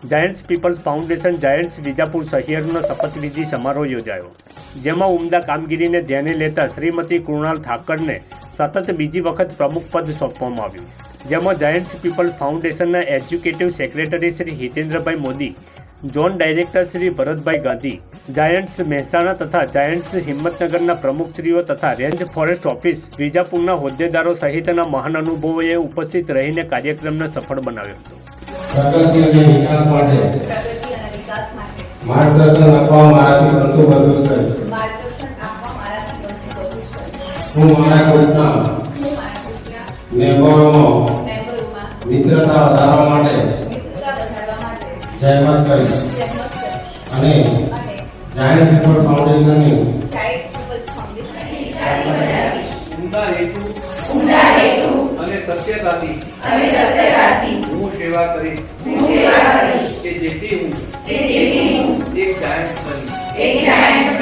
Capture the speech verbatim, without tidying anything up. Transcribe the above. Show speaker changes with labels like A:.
A: Giants people's foundation giants Vijapur શહેરનો શપથવિધિ સમારોહ યોજાયો, જેમાં ઉમદા કામગીરીને ધ્યાને લેતા શ્રીમતી કૃણાલ ઠાકરને સતત બીજી વખત પ્રમુખ પદ સોંપવામાં આવ્યું, જેમાં જાયન્ટ્સ પીપલ્સ ફાઉન્ડેશનના executive secretary Shri Hitendrabhai Modi, zone director Shri Bharatbhai Gandhi, giants Mehsana તથા જાયન્ટ્સ હિંમતનગરના પ્રમુખશ્રીઓ તથા રેન્જ ફોરેસ્ટ ઓફિસ વિજાપુરના હોદ્દેદારો સહિતના મહાન અનુભવોએ ઉપસ્થિત રહીને કાર્યક્રમને સફળ બનાવ્યો હતો.
B: પ્રગતિ અને વિકાસ માટે
C: પ્રગતિ અને વિકાસ માટે
B: માર્ગદર્શન આપવા મારાથી બનતું બધું જ કરીશ.
C: માર્ગદર્શન આપવા મારાથી બનતું બધું જ કરીશ.
B: હું મારા ગ્રુપના
C: હું મારા ગ્રુપના
B: મેમ્બરોનો
C: મેમ્બરોમાં
B: મિત્રતા વધારવા માટે
C: મિત્રતા વધારવા માટે
B: જહેમત કરીશ
C: જહેમત કરીશ
B: અને
C: અને
B: જાયન્ટ પીપલ ફાઉન્ડેશનની
C: જાયન્ટ્સ પીપલ્સ ફાઉન્ડેશનની નિશાની વધારીશ.
D: ઉમદા હેતુ
C: ઉમદા હેતુ
D: અને સત્યતાથી
C: અને સત્યતાથી
D: હું સેવા કરીશ
C: હું સેવા કરીશ
D: કે જેથી હું
C: કે જેથી હું
D: એક જાયન્ટ બની
C: એક જાયન્ટ